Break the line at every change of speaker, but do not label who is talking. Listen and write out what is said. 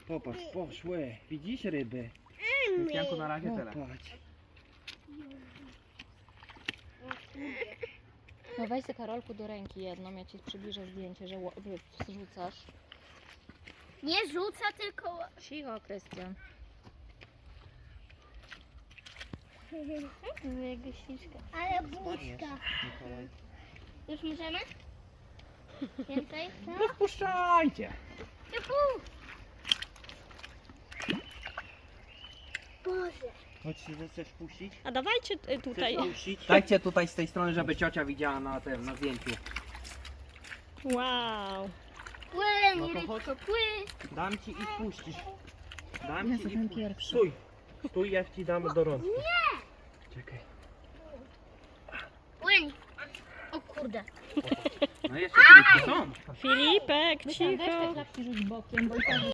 Popatrz, poszły. Widzisz ryby?
Więc Janku na razie tyle.
Popatrz.
No weź sobie Karolku do ręki jedną, ja ci przybliżę zdjęcie, że rzucasz.
Nie rzuca, tylko...
Cicho, Krystian.
Jego śliczka. Ale buźka. Już możemy? Więcej?
No wpuszczajcie!
Juhu! Boże.
Chodź, chcesz puścić?
A dawajcie tutaj.
Chcesz puścić?
Dajcie tutaj z tej strony, żeby ciocia widziała na tym, na zdjęciu.
Wow.
Płyń,
No to
rybko,
chodź.
płyń.
Dam ci i wpuścisz. Dam
Ja
ci
jestem
i
pierwszy.
Stój. Stój, ja ci dam do rączki. Czekaj.
Płyń. O kurde.
No jeszcze rybki są.
Filipek,
Weź te
cicho.
klapki rzuć bokiem, bo i tak